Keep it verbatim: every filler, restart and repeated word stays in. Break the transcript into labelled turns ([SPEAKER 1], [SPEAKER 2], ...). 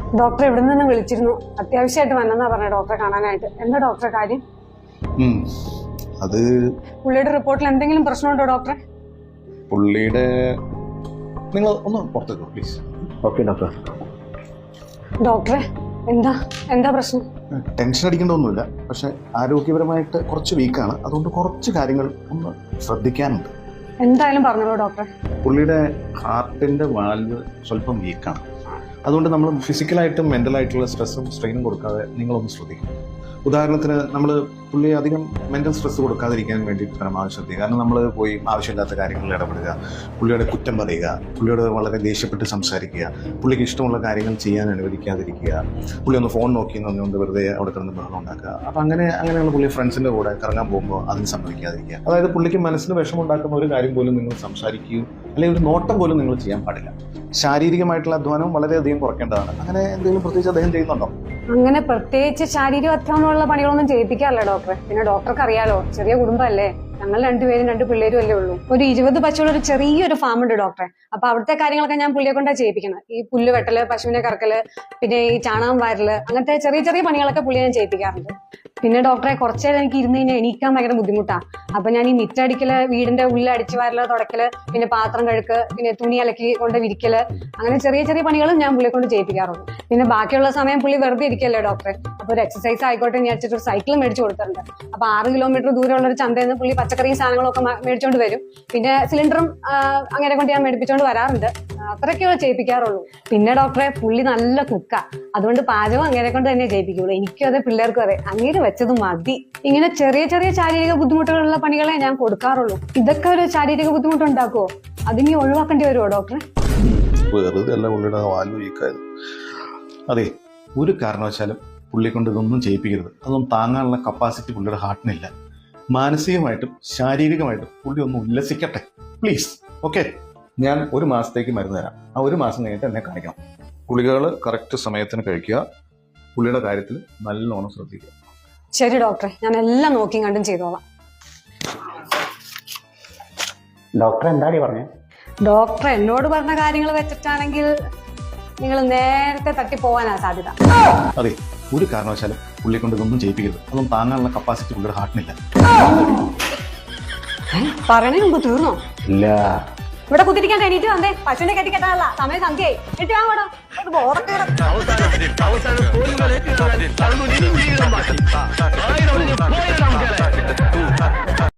[SPEAKER 1] Doctor എവിടെ നിന്ന് വിളിച്ചിരുന്നു, അത്യാവശ്യമായിട്ട് വന്നെന്നാ പറഞ്ഞ ഡോക്ടറെ കാണാനായിട്ട്. എന്താ ഡോക്ടറെ കാര്യം?
[SPEAKER 2] അത്
[SPEAKER 1] പുള്ളിയുടെ റിപ്പോർട്ടിൽ എന്തെങ്കിലും പ്രശ്നമുണ്ടോ ഡോക്ടറെ?
[SPEAKER 2] പുള്ളിയുടെ നിങ്ങൾ ഒന്ന് പുറത്തേക്കോ പ്ലീസ്. Okay doctor.
[SPEAKER 1] ഡോക്ടറെ എന്താ എന്താ പ്രശ്നം?
[SPEAKER 2] ടെൻഷൻ അടിക്കേണ്ടതൊന്നുമില്ല, പക്ഷെ ആരോഗ്യപരമായിട്ട് കുറച്ച് വീക്കാണ്. അതുകൊണ്ട് കുറച്ച് കാര്യങ്ങൾ ഒന്ന് ശ്രദ്ധിക്കാനുണ്ട്.
[SPEAKER 1] എന്തായാലും പറഞ്ഞോളൂ ഡോക്ടറെ.
[SPEAKER 2] പുള്ളിയുടെ ഹാർട്ടിന്റെ വാൽവ് സ്വല്പം വീക്കാണ്. അതുകൊണ്ട് നമ്മൾ ഫിസിക്കലായിട്ടും മെന്റലായിട്ടുള്ള സ്ട്രെസ്സും സ്ട്രെയിനും കൊടുക്കാതെ നിങ്ങളൊന്ന് ശ്രദ്ധിക്കും. ഉദാഹരണത്തിന് നമ്മൾ പുള്ളിയെ അധികം മെന്റൽ സ്ട്രെസ് കൊടുക്കാതിരിക്കാൻ വേണ്ടിയിട്ട് പരമാവധി ശ്രദ്ധിക്കുക. കാരണം നമ്മൾ പോയി ആവശ്യമില്ലാത്ത കാര്യങ്ങളിൽ ഇടപെടുക, പുള്ളിയുടെ കുറ്റം പറയുക, പുള്ളിയോട് വളരെ ദേഷ്യപ്പെട്ട് സംസാരിക്കുക, പുള്ളിക്ക് ഇഷ്ടമുള്ള കാര്യങ്ങൾ ചെയ്യാൻ അനുവദിക്കാതിരിക്കുക, പുള്ളി ഒന്ന് ഫോൺ നോക്കി എന്നുകൊണ്ട് വെറുതെ അവിടെ കിടന്ന് ബഹളം ഉണ്ടാക്കുക. അപ്പം അങ്ങനെ അങ്ങനെയുള്ള പുള്ളി ഫ്രണ്ട്സിൻ്റെ കൂടെ കറങ്ങാൻ പോകുമ്പോൾ അതിന് സമ്മതിക്കാതിരിക്കുക. അതായത് പുള്ളിക്ക് മനസ്സിന് വിഷമുണ്ടാക്കുന്ന ഒരു കാര്യം പോലും നിങ്ങൾ സംസാരിക്കുകയോ അല്ലെങ്കിൽ ഒരു നോട്ടം പോലും നിങ്ങൾ ചെയ്യാൻ പാടില്ല. ശാരീരികമായിട്ടുള്ള അധ്വാനവും വളരെയധികം കുറയ്ക്കേണ്ടതാണ്. അങ്ങനെ എന്തെങ്കിലും പ്രത്യേകിച്ച് അദ്ദേഹം ചെയ്യുന്നുണ്ടോ?
[SPEAKER 1] അങ്ങനെ പ്രത്യേകിച്ച് ശാരീരിക അധ്വാനമുള്ള പണികളൊന്നും ചെയ്യിപ്പിക്കാറില്ല ഡോക്ടറെ. പിന്നെ ഡോക്ടർക്ക് അറിയാലോ, ചെറിയ കുടുംബമല്ലേ, ഞങ്ങൾ രണ്ടുപേരും രണ്ട് പിള്ളേരും അല്ലേ ഉള്ളൂ. ഒരു ഇരുപത് പശുള്ള ഒരു ചെറിയൊരു ഫാം ഉണ്ട് ഡോക്ടറെ. അപ്പൊ അവിടുത്തെ കാര്യങ്ങളൊക്കെ ഞാൻ പുള്ളിയെ കൊണ്ടാ ചെയ്യിപ്പിക്കുന്നത്. ഈ പുല്ല് വെട്ടല്, പശുവിനെ കറക്കല്, പിന്നെ ഈ ചാണകം വാരല്, അങ്ങനത്തെ ചെറിയ ചെറിയ പണികളൊക്കെ പുള്ളിയെ ഞാൻ ചെയ്യിപ്പിക്കാറുണ്ട്. പിന്നെ ഡോക്ടറെ കുറച്ചു നേരം എനിക്ക് ഇരുന്ന് കഴിഞ്ഞാൽ എണീക്കാൻ ഭയങ്കര ബുദ്ധിമുട്ടാ. അപ്പൊ ഞാൻ ഈ മിറ്റടിക്കല്, വീടിന്റെ ഉള്ളിൽ അടിച്ചു വാരല്, തുടക്കല്, പിന്നെ പാത്രം കഴുക്ക്, പിന്നെ തുണി അലക്കി കൊണ്ട് വിരിക്കല്, അങ്ങനെ ചെറിയ ചെറിയ പണികളും ഞാൻ പുള്ളിയെ കൊണ്ട് ചെയ്യിപ്പിക്കാറുണ്ട്. പിന്നെ ബാക്കിയുള്ള സമയം പുള്ളി വെറുതെ ഇരിക്കല്ലേ ഡോക്ടറെ. അപ്പൊ ഒരു എക്സസൈസ് ആയിക്കോട്ടെ ഞാൻ വെച്ചിട്ട് ഒരു സൈക്കിൾ മേടിച്ചു കൊടുത്തിട്ടുണ്ട്. അപ്പൊ ആറ് കിലോമീറ്റർ ദൂരമുള്ള ഒരു ചന്തയിൽ നിന്ന് പുള്ളി പച്ചക്കറിയും സാധനങ്ങളൊക്കെ മേടിച്ചോണ്ട് വരും. പിന്നെ സിലിണ്ടറും അങ്ങനെ കൊണ്ട് ഞാൻ മേടിപ്പിച്ചോണ്ട് വരാറുണ്ട്. അത്രയൊക്കെ ചെയ്യിപ്പിക്കാറുള്ളൂ. പിന്നെ ഡോക്ടറെ പുള്ളി നല്ല കുക്കാ, അതുകൊണ്ട് പാചകം അങ്ങനെ കൊണ്ട് തന്നെ ചെയ്യിപ്പിക്കുള്ളൂ. എനിക്കും അതെ, പിള്ളേർക്കും അതെ. അങ്ങനെ വെച്ചത് മതി. ഇങ്ങനെ ചെറിയ ചെറിയ ശാരീരിക ബുദ്ധിമുട്ടുകളുള്ള പണികളെ ഞാൻ കൊടുക്കാറുള്ളൂ. ഇതൊക്കെ ഒരു ശാരീരിക ബുദ്ധിമുട്ടുണ്ടാക്കുവോ? അതിനി ഒഴിവാക്കേണ്ടി വരുമോ ഡോക്ടറെ?
[SPEAKER 2] വെറുതെ അല്ല പുള്ളിയുടെ വാൽവ് വീക്കായത്. അതെ, ഒരു കാരണവശാലും പുള്ളി കൊണ്ട് ഇതൊന്നും ചെയ്യിപ്പിക്കരുത്. അതൊന്നും താങ്ങാനുള്ള കപ്പാസിറ്റി പുള്ളിയുടെ ഹാർട്ടിനില്ല. മാനസികമായിട്ടും ശാരീരികമായിട്ടും പുള്ളി ഒന്ന് ഉല്ലസിക്കട്ടെ പ്ലീസ്. ഓക്കെ, ഞാൻ ഒരു മാസത്തേക്ക് മരുന്ന് തരാം. ആ ഒരു മാസം കഴിഞ്ഞിട്ട് എന്നെ കാണിക്കണം. ഗുളികകൾ കറക്റ്റ് സമയത്തിന് കഴിക്കുക. പുള്ളിയുടെ കാര്യത്തിൽ നല്ലോണം ശ്രദ്ധിക്കുക.
[SPEAKER 1] ശരി ഡോക്ടറെ, ഞാൻ എല്ലാം നോക്കിയും കണ്ടും ചെയ്തോളാം.
[SPEAKER 3] ഡോക്ടർ എന്താടി പറഞ്ഞേ?
[SPEAKER 1] ഡോക്ടർ എന്നോട് പറഞ്ഞ കാര്യങ്ങൾ വെച്ചിട്ടാണെങ്കിൽ നിങ്ങൾ നേരത്തെ തട്ടി പോകാനാ സാധ്യത.
[SPEAKER 2] അതെ, ഒരു കാരണവശാലും പുള്ളി കൊണ്ട് ഇതൊന്നും ചെയ്യിപ്പിക്കരുത്. അതൊന്നും താങ്ങാനുള്ള കപ്പാസിറ്റി പുള്ളിയുടെ ഹാർട്ടിനില്ല.
[SPEAKER 1] പറയണേ മുമ്പ് തീർന്നോ?
[SPEAKER 3] ഇല്ല.
[SPEAKER 1] ഇവിടെ കുത്തിരിക്കാൻ എണീറ്റ് വന്നേ. പശുവിനെ കെട്ടിക്കെട്ടാനല്ല, സമയം സന്ധ്യയായി. എട്ടി വാങ്ങോടോ. ബോധക്കേട്